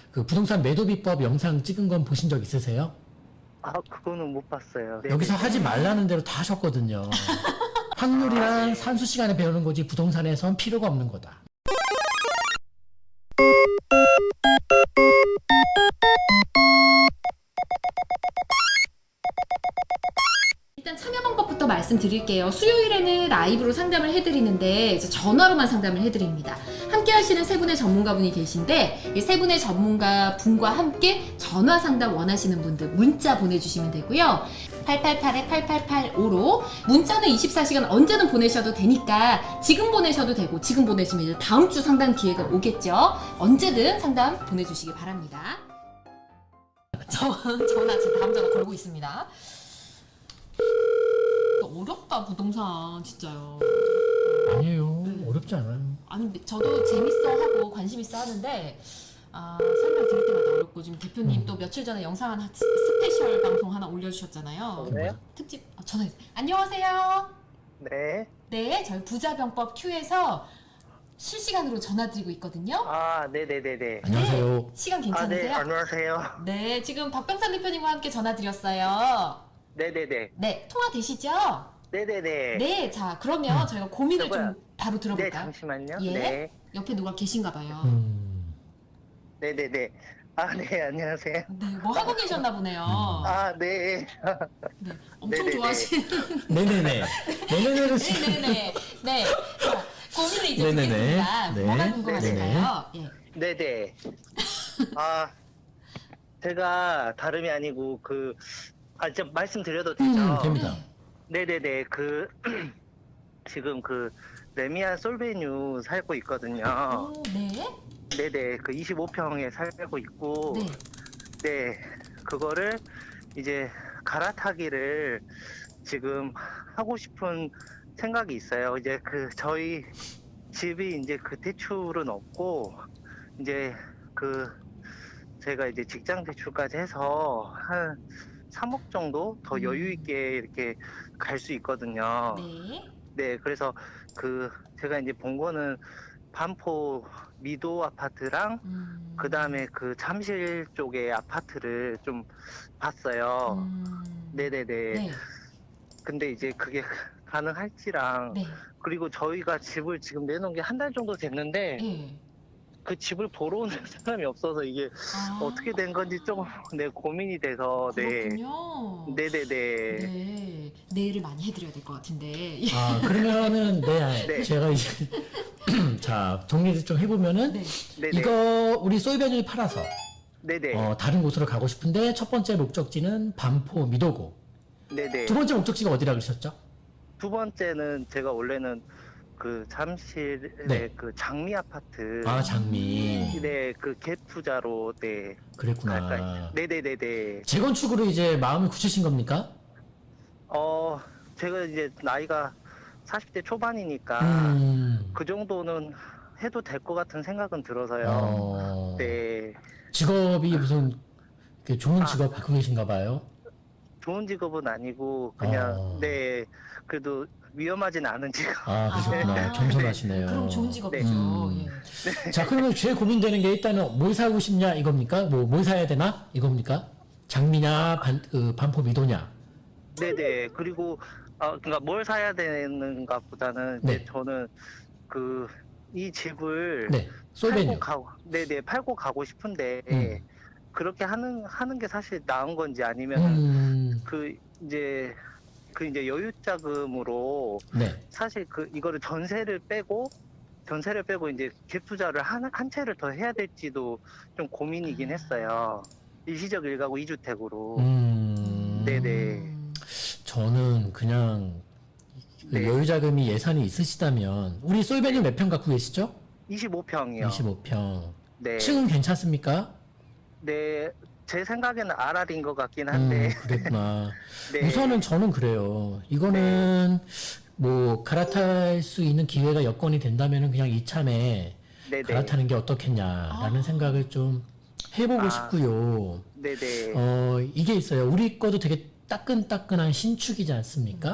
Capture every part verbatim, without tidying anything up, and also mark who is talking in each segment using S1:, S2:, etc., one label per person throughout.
S1: 그 부동산 매도 비법 영상 찍은 건 보신 적 있으세요?
S2: 아, 그거는 못 봤어요. 네.
S1: 여기서 하지 말라는 대로 다 하셨거든요. 확률이랑
S2: 아, 네.
S1: 산수 시간에 배우는 거지 부동산에선 필요가 없는 거다.
S3: 일단 참여 방법부터 말씀드릴게요. 수요일에는 라이브로 상담을 해드리는데 이제 전화로만 상담을 해드립니다. 함께 하시는 세 분의 전문가분이 계신데 이 세 분의 전문가 분과 함께 전화 상담 원하시는 분들 문자 보내주시면 되고요. 팔팔팔 팔팔팔오로 문자는 이십사 시간 언제든 보내셔도 되니까 지금 보내셔도 되고 지금 보내시면 이제 다음 주 상담 기회가 오겠죠. 언제든 상담 보내주시기 바랍니다. 저, 전화 지금 다음 전화 걸고 있습니다. 어렵다 부동산 진짜요.
S1: 아니에요.
S3: 네.
S1: 어렵지 않아요.
S3: 아니 근데 저도 재밌어 하고 관심 있어 하는데 아, 설명 드릴 때마다 어렵고 지금 대표님
S1: 음.
S3: 또 며칠 전에 영상 하나 스- 스페셜 방송 하나 올려주셨잖아요.
S2: 네.
S3: 특집 아, 전화 안녕하세요.
S2: 네.
S3: 네 저희 부자병법 Q에서 실시간으로 전화드리고 있거든요.
S2: 아, 네네네네.
S1: 안녕하세요.
S3: 시간
S2: 아, 네,
S3: 괜찮으세요?
S2: 안녕하세요.
S3: 네 지금 박병산 대표님과 함께 전화드렸어요.
S2: 네네네.
S3: 네 통화 되시죠?
S2: 네네네.
S3: 네 자 그러면 저희가 고민을
S2: 저거요.
S3: 좀 바로
S2: 네,
S3: 들어볼까요?
S2: 잠시만요.
S3: 예?
S2: 네.
S3: 옆에 누가 계신가 봐요.
S1: 음.
S2: 네네네. 아, 네, 안녕하세요.
S3: 네, 뭐 하고 계셨나 보네요.
S2: 아, 네.
S3: 네, 엄청
S2: 네네네.
S3: 좋아하시는.
S1: 네네네. 네네네를
S3: 네네네. 네. 자, 고민을 이제
S1: 네네네.
S3: 듣겠습니다.
S1: 네.
S3: 뭐가 궁금하실까요? 예.
S2: 네네. 아, 제가 다름이 아니고 그, 아, 진짜 말씀드려도 되죠?
S1: 음, 됩니다.
S3: 네.
S2: 네네네. 그, 지금 그, 레미안 솔베뉴 살고 있거든요.
S3: 오, 네.
S2: 네네. 그 이십오 평에 살고 있고,
S3: 네.
S2: 네, 그거를 이제 갈아타기를 지금 하고 싶은 생각이 있어요. 이제 그 저희 집이 이제 그 대출은 없고 이제 그 제가 이제 직장 대출까지 해서 한 삼억 정도 더
S3: 음.
S2: 여유 있게 이렇게 갈 수 있거든요.
S3: 네.
S2: 네, 그래서 그 제가 이제 본 거는 반포 미도 아파트랑
S3: 음.
S2: 그 다음에 그 잠실 쪽의 아파트를 좀 봤어요.
S3: 음.
S2: 네네네.
S3: 네.
S2: 근데 이제 그게 가능할지랑,
S3: 네.
S2: 그리고 저희가 집을 지금 내놓은 게 한 달 정도 됐는데,
S3: 네.
S2: 그 집을 보러 오는 사람이 없어서 이게
S3: 아,
S2: 어떻게 된 건지 조금, 네, 고민이 돼서, 네.
S3: 그렇군요.
S2: 네네네.
S3: 네. 내일을 많이 해드려야 될 것 같은데.
S1: 아, 그러면은, 네.
S2: 네.
S1: 제가 이제, 자, 정리를 좀 해보면은,
S3: 네.
S2: 네네.
S1: 이거 우리 소이베뉴 팔아서,
S2: 네네.
S1: 어, 다른 곳으로 가고 싶은데, 첫 번째 목적지는 반포 미도고.
S2: 네네.
S1: 두 번째 목적지가 어디라 그러셨죠?
S2: 두 번째는 제가 원래는 그 잠실의
S1: 네.
S2: 그 장미 아파트.
S1: 아, 장미.
S2: 네, 그 갭 투자로, 네.
S1: 그랬구나.
S2: 갈까요? 네네네네.
S1: 재건축으로 이제 마음이 굳히신 겁니까?
S2: 어, 제가 이제 나이가 사십 대 초반이니까
S1: 음.
S2: 그 정도는 해도 될 것 같은 생각은 들어서요.
S1: 어.
S2: 네.
S1: 직업이 무슨 이렇게 좋은
S2: 아.
S1: 직업 갖고 계신가 봐요.
S2: 좋은 직업은 아니고 그냥
S1: 어.
S2: 네. 그래도 위험하진 않은 직업.
S1: 아, 그러셨구나.
S3: 아.
S1: 겸손하시네요.
S3: 그럼 좋은 직업이죠.
S1: 음.
S3: 예.
S1: 자, 그러면 제일 고민되는 게 일단은 뭘 사고 싶냐 이겁니까? 뭐, 뭘 사야 되나? 이겁니까? 장미냐, 반, 그, 반포 미도냐?
S2: 네네. 그리고 어, 그러니까 뭘 사야 되는가 보다는 이제
S1: 네.
S2: 저는 그 이 집을
S1: 네, 소이베뉴.
S2: 팔고 가고 네네 팔고 가고 싶은데
S1: 음.
S2: 그렇게 하는 하는 게 사실 나은 건지 아니면
S1: 음,
S2: 그 이제 그 이제 여유 자금으로
S1: 네.
S2: 사실 그 이거를 전세를 빼고 전세를 빼고 이제 갭 투자를 한, 한 채를 더 해야 될지도 좀 고민이긴 했어요. 일시적 일가구 이주택으로.
S1: 음,
S2: 네네.
S3: 음.
S1: 저는 그냥 그
S2: 네.
S1: 여유자금이 예산이 있으시다면, 우리 소이베뉴 몇 평 갖고 계시죠?
S2: 이십오 평이요.
S1: 이십오 평.
S2: 네.
S1: 층은 괜찮습니까?
S2: 네. 제 생각에는 알알인 것 같긴 한데.
S1: 음, 그랬구나.
S2: 네.
S1: 우선은 저는 그래요. 이거는 뭐 갈아탈 수 있는 기회가 여건이 된다면은 그냥 이참에
S2: 네네.
S1: 갈아타는 게 어떻겠냐라는
S3: 아.
S1: 생각을 좀 해보고
S2: 아.
S1: 싶고요.
S2: 네네.
S1: 어, 이게 있어요. 우리 거도 되게 따끈따끈한 신축이지 않습니까?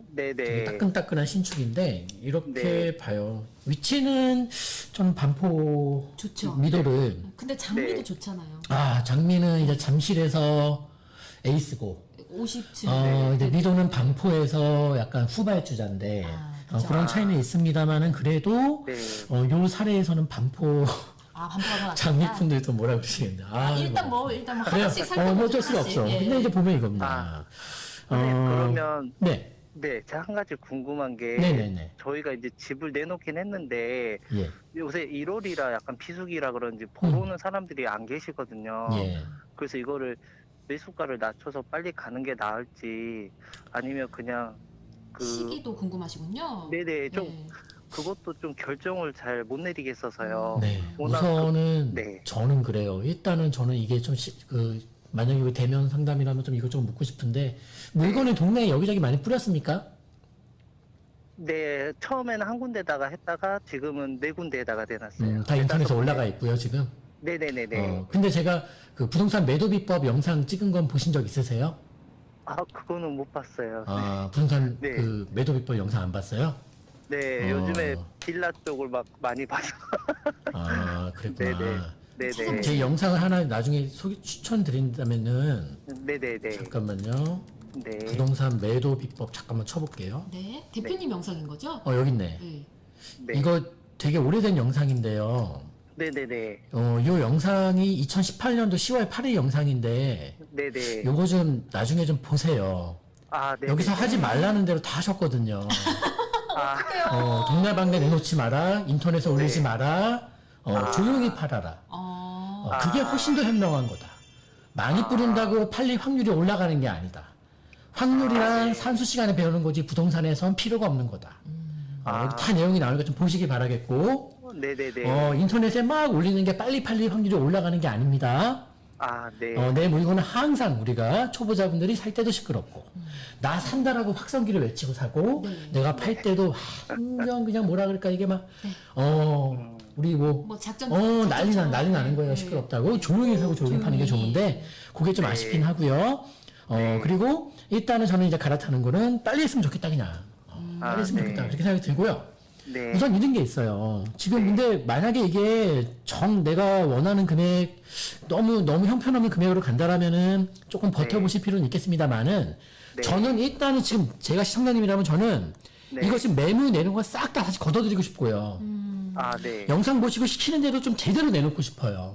S2: 네네.
S1: 되게 따끈따끈한 신축인데 이렇게
S2: 네.
S1: 봐요. 위치는 좀 반포
S3: 좋죠.
S1: 미도를
S3: 근데 장미도
S2: 네.
S3: 좋잖아요.
S1: 아 장미는 이제 잠실에서 에이스고
S3: 오십 층.
S1: 어, 이제 미도는 반포에서 약간 후발주자인데
S3: 아,
S1: 어,
S3: 그죠.
S1: 그런 차이는 있습니다만은 그래도
S2: 네.
S1: 어, 요 사례에서는 반포
S3: 아, 반포가 더 낫다.
S1: 장미분들도 뭐라 그러시겠네.
S3: 아, 일단 뭐 일단 뭐
S1: 그래요.
S3: 하나씩
S1: 어,
S3: 살펴보죠.
S1: 뭐 어쩔 수가
S3: 하나씩.
S1: 없어.
S3: 예.
S1: 근데 이제 보면 이겁니다.
S2: 아, 네,
S1: 어,
S2: 그러면
S1: 네,
S2: 네, 제가 한 가지 궁금한 게
S1: 네네네.
S2: 저희가 이제 집을 내놓긴 했는데
S1: 예,
S2: 요새 일월이라 약간 비수기라 그런지 보러 오는 사람들이 안 계시거든요.
S1: 음. 예.
S2: 그래서 이거를 매수가를 낮춰서 빨리 가는 게 나을지 아니면 그냥 그
S3: 시기도 궁금하시군요.
S2: 네네 좀
S3: 네.
S2: 그것도 좀 결정을 잘 못 내리겠어서요.
S1: 네.
S2: 워낙
S1: 우선은
S2: 그- 네.
S1: 저는 그래요. 일단은 저는 이게 좀 그 만약에 이거 대면 상담이라면 좀 이것저것 묻고 싶은데 물건을 동네에 여기저기 많이 뿌렸습니까?
S2: 네, 처음에는 한 군데다가 했다가 지금은 네 군데에다가 대놨어요.
S1: 음, 다 인터넷에
S2: 대다섯
S1: 올라가
S2: 군데.
S1: 있고요, 지금.
S2: 네네네네.
S1: 어, 근데 제가 그 부동산 매도 비법 영상 찍은 건 보신 적 있으세요?
S2: 아, 그거는 못 봤어요.
S1: 아, 부동산
S2: 네.
S1: 그 매도 비법 영상 안 봤어요?
S2: 네,
S1: 어.
S2: 요즘에 빌라 쪽을 막 많이 봐서.
S1: 아, 그랬구나.
S2: 네네. 네네.
S1: 제 영상을 하나 나중에 소개 추천드린다면은
S2: 네네네.
S1: 잠깐만요.
S2: 네.
S1: 부동산 매도 비법 잠깐만 쳐볼게요.
S3: 네, 대표님 영상인 거죠?
S1: 어, 여기 있네.
S3: 네.
S2: 네.
S1: 이거 되게 오래된 영상인데요.
S2: 네네네.
S1: 어, 요 영상이 이천십팔 년도 시월 팔일 영상인데
S2: 네네.
S1: 요거 좀 나중에 좀 보세요.
S2: 아, 네.
S1: 여기서 하지 말라는 대로 다 하셨거든요.
S2: 아,
S1: 어, 동네방네 내놓지 마라, 인터넷에 올리지
S2: 네.
S1: 마라, 어,
S2: 아.
S1: 조용히 팔아라.
S3: 어,
S1: 어, 그게 훨씬 더 현명한 거다. 많이 뿌린다고 팔릴 확률이 올라가는 게 아니다. 확률이란 산수 시간에 배우는 거지 부동산에선 필요가 없는 거다. 어,
S2: 아.
S1: 여기 다 내용이 나오니까 좀 보시기 바라겠고,
S2: 네네네.
S1: 어, 인터넷에 막 올리는 게 빨리 팔릴 확률이 올라가는 게 아닙니다.
S2: 아, 네.
S1: 어, 내 물건은 항상 우리가 초보자분들이 살 때도 시끄럽고, 나 산다라고 확성기를 외치고 사고,
S3: 네.
S1: 내가 팔 때도 완전 그냥 뭐라 그럴까, 이게 막,
S3: 네.
S1: 어, 우리 뭐,
S3: 뭐 작전
S1: 어, 난리 나,
S3: 작전처럼.
S1: 난리 나는 거예요.
S3: 네.
S1: 시끄럽다고. 조용히 사고 조용히 파는 게
S3: 조용히.
S1: 좋은데, 그게 좀
S2: 네.
S1: 아쉽긴 하고요. 어,
S2: 네.
S1: 그리고 일단은 저는 이제 갈아타는 거는 빨리 했으면 좋겠다, 그냥. 어, 빨리
S2: 아,
S1: 했으면
S2: 네.
S1: 좋겠다. 그렇게 생각이 들고요.
S2: 네.
S1: 우선 이런 게 있어요. 지금 근데 만약에 이게 정 내가 원하는 금액 너무 너무 형편없는 금액으로 간다라면은 조금 버텨보실 필요는 있겠습니다만은
S2: 네.
S1: 저는 일단은 지금 제가 시청자님이라면 저는
S2: 네.
S1: 이거 지금 매물 내는 거 싹 다 다시 걷어드리고 싶고요.
S3: 음,
S2: 아, 네.
S1: 영상 보시고 시키는 대로 좀 제대로 내놓고 싶어요.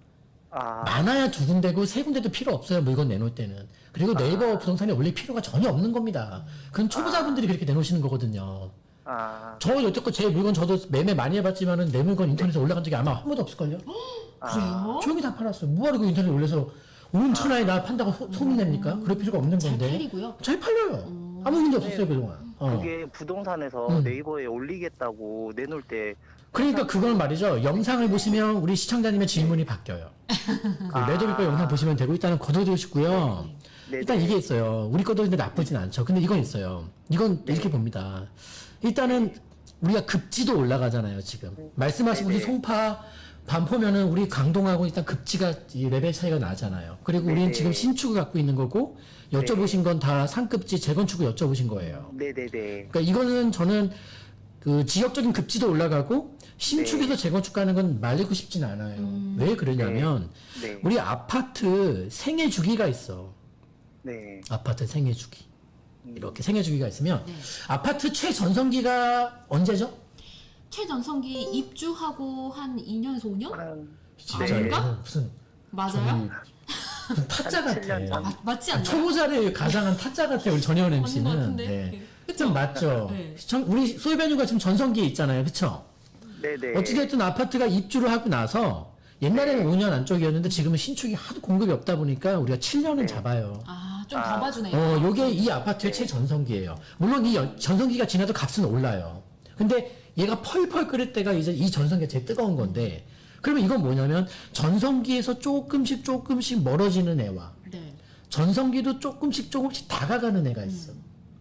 S2: 아,
S1: 많아야 두 군데고 세 군데도 필요 없어요. 물건 내놓을 때는. 그리고 네이버 부동산에 올릴 필요가 전혀 없는 겁니다. 그건 초보자분들이 그렇게 내놓으시는 거거든요.
S2: 아,
S1: 저 여태껏 제 물건 저도 매매 많이 해봤지만은 내 물건 인터넷에 올라간 적이 아마 한 번도 없을걸요?
S3: 그래요?
S1: 조용히 다 팔았어요. 뭐하러 그 인터넷에 올려서 온 천하에 나 판다고 소, 소문 냅니까? 그럴 필요가 없는
S3: 잘
S1: 건데.
S3: 팔리고요.
S1: 잘 팔려요. 아무 문제 없었어요, 그동안. 어.
S2: 그게 부동산에서
S1: 음.
S2: 네이버에 올리겠다고 내놓을 때
S1: 그러니까 그건 말이죠. 영상을 보시면 우리 시청자님의 질문이 바뀌어요. 그
S2: 아.
S1: 매도비법 영상 보시면 되고 일단은 거둬두시고요.
S2: 네.
S1: 일단 이게 있어요. 우리 것도 근데 나쁘진 않죠. 근데 이건 있어요. 이건
S2: 네.
S1: 이렇게 봅니다. 일단은 우리가 급지도 올라가잖아요, 지금. 말씀하신
S2: 네네.
S1: 우리 송파, 반포면은 우리 강동하고 일단 급지가 이 레벨 차이가 나잖아요. 그리고 우리는
S2: 네네.
S1: 지금 신축을 갖고 있는 거고 여쭤보신 건 다 상급지 재건축을 여쭤보신 거예요.
S2: 네네네.
S1: 그러니까 이거는 저는 그 지역적인 급지도 올라가고 신축에서
S2: 네.
S1: 재건축 가는 건 말리고 싶진 않아요.
S3: 음.
S1: 왜 그러냐면
S2: 네.
S1: 우리 아파트 생애 주기가 있어.
S2: 네.
S1: 아파트 생애 주기. 이렇게 생애 주기가 있으면
S3: 네.
S1: 아파트 최전성기가 언제죠?
S3: 최전성기 입주하고 한 이 년에서 오 년?
S2: 한
S1: 진짜
S2: 네.
S1: 이거는 무슨
S3: 맞아요?
S1: 저기 무슨 타짜
S2: 한 칠 년
S1: 같아.
S2: 전.
S3: 맞, 맞지 않나요?
S1: 초보자를 가장한 타짜 같아 우리 전혜원
S3: 맞는 것
S1: 엠씨는.
S3: 같은데.
S1: 네.
S3: 그쵸?
S1: 좀 맞죠.
S3: 네.
S1: 시청- 우리 소유배뉴가 지금 전성기에 있잖아요, 그렇죠?
S2: 네네.
S1: 어찌됐든 아파트가 입주를 하고 나서 옛날에는 오 년 안쪽이었는데 지금은 신축이 하도 공급이 없다 보니까 우리가 칠 년은
S2: 네.
S1: 잡아요.
S3: 아, 좀
S2: 아.
S3: 더 봐주네요.
S1: 어, 요게 이 아파트의 최전성기예요. 물론 이 연- 전성기가 지나도 값은 올라요. 근데 얘가 펄펄 끓을 때가 이제 이 전성기가 제일 뜨거운 건데 그러면 이건 뭐냐면 전성기에서 조금씩 조금씩 멀어지는 애와
S3: 네.
S1: 전성기도 조금씩 조금씩 다가가는 애가 있어.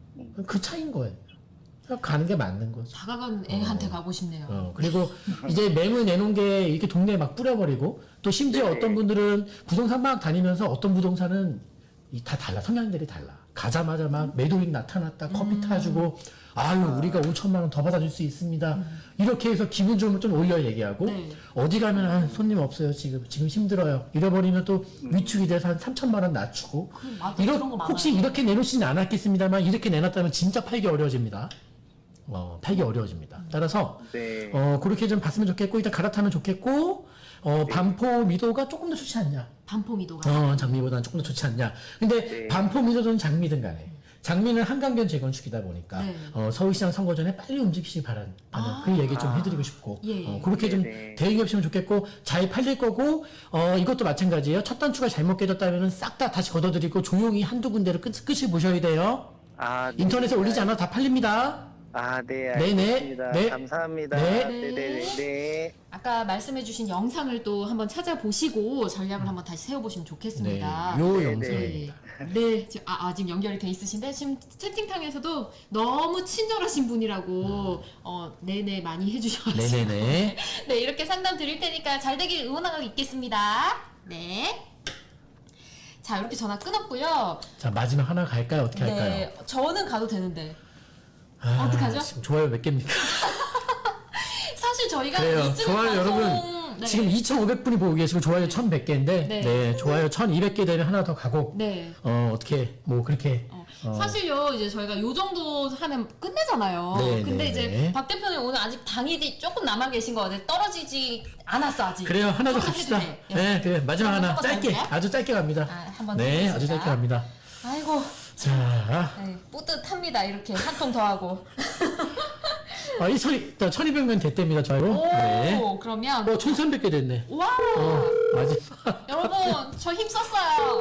S1: 그 차이인 거예요. 그러니까 가는 게 맞는 거죠.
S3: 다가간 애한테 가고 싶네요.
S1: 어, 그리고 이제 매물 내놓은 게 이렇게 동네에 막 뿌려버리고 또 심지어
S2: 네.
S1: 어떤 분들은 부동산 막 다니면서 어떤 부동산은 이 다 달라. 성향들이 달라. 가자마자 막 매도인 나타났다. 커피 타주고 아유 우리가 오천만 원 더 받아줄 수 있습니다. 이렇게 해서 기분 좀, 좀 올려 얘기하고
S3: 네.
S1: 어디 가면 아, 손님 없어요. 지금 지금 힘들어요. 잃어버리면 또 위축이 돼서 한 삼천만 원 낮추고
S3: 그, 맞아,
S1: 이러,
S3: 그런 거 많아요.
S1: 혹시 이렇게 내놓지는 않았겠습니다만 이렇게 내놨다면 진짜 팔기 어려워집니다. 어, 팔기 어려워집니다. 따라서
S2: 네.
S1: 어, 그렇게 좀 봤으면 좋겠고 일단 갈아타면 좋겠고 어, 반포 미도가 조금 더 좋지 않냐?
S3: 반포미도가.
S1: 어, 장미보다는 조금 더 좋지 않냐? 근데
S2: 네.
S1: 반포 미도든 장미든 간에 장미는 한강변 재건축이다 보니까
S3: 네.
S1: 어, 서울시장 선거 전에 빨리 움직이시기 바라는
S3: 아.
S1: 그 얘기 좀 해드리고 싶고
S3: 예.
S1: 어, 그렇게 좀
S2: 네네.
S1: 대응이 없으면 좋겠고 잘 팔릴 거고 어, 이것도 마찬가지예요. 첫 단추가 잘못 깨졌다면 싹 다 다시 걷어들이고 조용히 한두 군데를 끝, 끝을 보셔야 돼요.
S2: 아, 네.
S1: 인터넷에 올리지 않아도 다 팔립니다.
S2: 아, 네,
S1: 네네.
S2: 알겠습니다.
S1: 네.
S2: 감사합니다.
S1: 네.
S2: 네, 네, 네. 네.
S3: 아까 말씀해주신 영상을 또 한번 찾아보시고 전략을 한번 다시 세워보시면
S1: 네,
S3: 좋겠습니다.
S1: 요
S2: 네,
S1: 영상입니다.
S3: 네, 지금, 아, 아, 지금 연결이 돼 있으신데 지금 채팅창에서도 너무 친절하신 분이라고 어, 네네 많이 해주셔가지고
S1: 네네네.
S3: 네, 이렇게 상담 드릴 테니까 잘 되길 응원하고 있겠습니다. 네. 자, 이렇게 전화 끊었고요.
S1: 자 마지막 하나 갈까요? 어떻게 할까요?
S3: 네, 저는 가도 되는데
S1: 아,
S3: 어떡하죠?
S1: 지금 좋아요 몇 개입니까?
S3: 사실 저희가
S1: 그래요.
S3: 이 찍은
S1: 좋아요,
S3: 방송-
S1: 여러분.
S3: 네.
S1: 지금 이천오백 분이 보고 계시고 좋아요 천백 개인데
S3: 네.
S1: 네. 좋아요 천이백 개 되면 하나 더 가고
S3: 네.
S1: 어 어떻게 뭐 그렇게
S3: 어,
S1: 어.
S3: 사실요 이제 저희가 요 정도 하면 끝내잖아요.
S1: 네,
S3: 근데
S1: 네,
S3: 이제
S1: 네.
S3: 박 대표님 오늘 아직 당일이 조금 남아 계신 거 같아요. 떨어지지 않았어 아직.
S1: 그래요 하나 더
S3: 조금
S1: 갑시다.
S3: 해주세요. 예.
S1: 네 그래 마지막
S3: 한번
S1: 하나
S3: 더
S1: 짧게
S3: 갈까요?
S1: 아주 짧게 갑니다.
S3: 아, 한번
S1: 네
S3: 더
S1: 아주 짧게
S3: 해보겠습니다.
S1: 갑니다.
S3: 아이고
S1: 자
S3: 네, 뿌듯합니다. 이렇게 한 통 더 하고.
S1: 아, 이 천이 천이백 명 됐답니다 좋아요.
S3: 오
S1: 네.
S3: 그러면
S1: 어 천삼백 개 됐네.
S3: 와
S1: 어 맞아.
S3: 여러분 저 힘썼어요.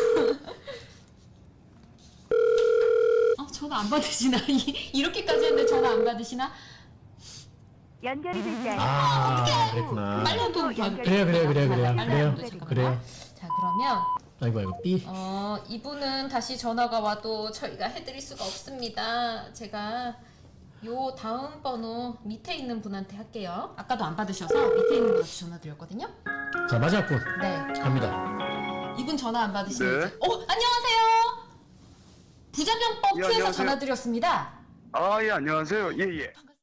S3: 어, 전화 안 받으시나? 이- 이렇게까지 했는데 전화 안 받으시나?
S4: 연결이 되지 않아.
S1: 아 그랬구나.
S3: 빨리 한 통 더.
S1: 그래요 그래요 그래요 그래요
S3: 빨리
S1: 그래요
S3: 한 통, 잠깐만.
S1: 그래요.
S3: 자 그러면
S1: 아이고 아이고 삐.
S3: 어, 이분은 다시 전화가 와도 저희가 해드릴 수가 없습니다. 제가 요 다음 번호 밑에 있는 분한테 할게요. 아까도 안 받으셔서 밑에 있는 분한테 전화 드렸거든요.
S1: 자 마지막 분
S3: 네.
S1: 갑니다.
S3: 이분 전화 안 받으시면
S5: 네.
S3: 이제 어, 안녕하세요. 부자병법
S5: 예,
S3: 피해서
S5: 안녕하세요.
S3: 전화 드렸습니다.
S5: 아, 예, 안녕하세요. 예, 예.